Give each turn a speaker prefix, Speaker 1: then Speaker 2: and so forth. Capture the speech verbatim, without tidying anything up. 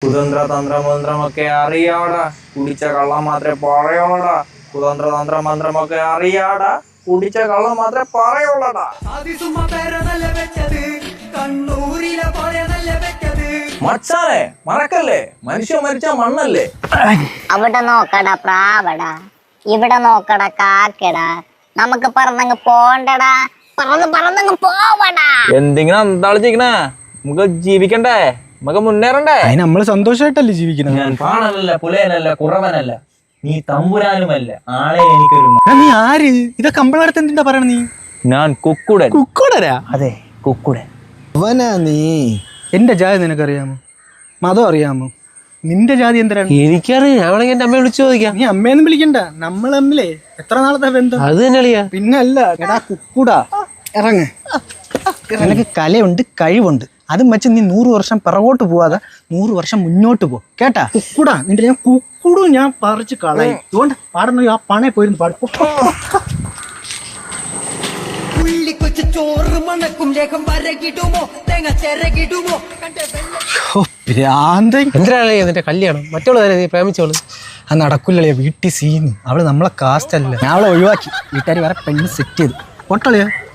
Speaker 1: കുതന്ത്ര തന്ത്ര മന്ത്രമൊക്കെ അറിയാടാ, കുടിച്ച കള്ളം മാത്രമേ പറയോളടാ. കുതന്ത്ര തന്ത്ര മന്ത്രമൊക്കെ അറിയാടാ, കുടിച്ച കള്ളം മാത്രമേ പറയോളടാ. മച്ചാനെ മറക്കല്ലേ, മനുഷ്യ മരിച്ച മണ്ണല്ലേ.
Speaker 2: അവിടെ നോക്കടാ പ്രാവടാ, ഇവിടെ നോക്കടാ കാക്കടാ, നമുക്ക് പറന്നങ്ങ് പോണ്ടടാ, പറന്ന് പറന്നങ്ങ് പോവടാ.
Speaker 1: എന്തെങ്കിലും അന്താളിച്ചിരിക്കണേ, നമുക്ക് ജീവിക്കണ്ടേ, നമുക്ക് മുന്നേറണ്ടേ.
Speaker 3: അതിന് നമ്മള് സന്തോഷമായിട്ടല്ലേ ജീവിക്കണം.
Speaker 1: ഞാൻ പാണനല്ല, പുലയനല്ല, കുറവനല്ല, നീ തമ്പുരാനുമല്ല, ആളെ എനിക്കൊരു.
Speaker 3: നീ ആര്? ഇതൊക്കെ അമ്പളടുത്ത് എന്തിനാ പറയണ നീ?
Speaker 1: ഞാൻ കുക്കുടൻ.
Speaker 3: കുക്കുടരാ?
Speaker 1: അതെ, കുക്കുടൻ.
Speaker 3: അവനാ നീ? എന്റെ ജാതി നിനക്കറിയാമോ? മതം അറിയാമോ? നിന്റെ ജാതി എന്തിനാണ്?
Speaker 4: എനിക്കറിയാം. അവളെങ്കിൽ എന്റെ അമ്മയെ വിളിച്ചു ചോദിക്കാം.
Speaker 3: നീ അമ്മയൊന്നും വിളിക്കണ്ട, നമ്മൾ തമ്മിലേ എത്ര നാളത്തെ ബന്ധം.
Speaker 4: അത് തന്നെ അളിയാ.
Speaker 3: പിന്നല്ല എടാ കുക്കുടാ, ഇറങ്ങ്. നിനക്ക് കലയുണ്ട്, കഴിവുണ്ട്, അതും വെച്ച് നീ നൂറ് വർഷം പിറകോട്ട് പോവാതെ നൂറ് വർഷം മുന്നോട്ട് പോ, കേട്ടാ? കുക്കുടാ, നിന്റെ ഞാൻ കുക്കുടു ഞാൻ പറിച്ച് കളയും. അതുകൊണ്ട് പാടുന്ന ആ പണയെ പോയിരുന്നു പാടും.
Speaker 5: ചോറ് മണക്കും ലേഖം വരകിടുമോ, തേങ്ങ ചിരകിടുമോ.
Speaker 4: എന്തിനാണ് എന്നിട്ട് കല്യാണം? മറ്റുള്ള നീ പ്രേമിച്ചോളൂ.
Speaker 3: അത് നടക്കില്ലളിയാ, വീട്ടിൽ സീന്. അവള് നമ്മളെ കാസ്റ്റ് അല്ല. ഞാൻ അവളെ ഒഴിവാക്കി, വീട്ടുകാർ വേറെ പെണ്ണ് സെറ്റ് ചെയ്തു. പൊട്ടളിയാ.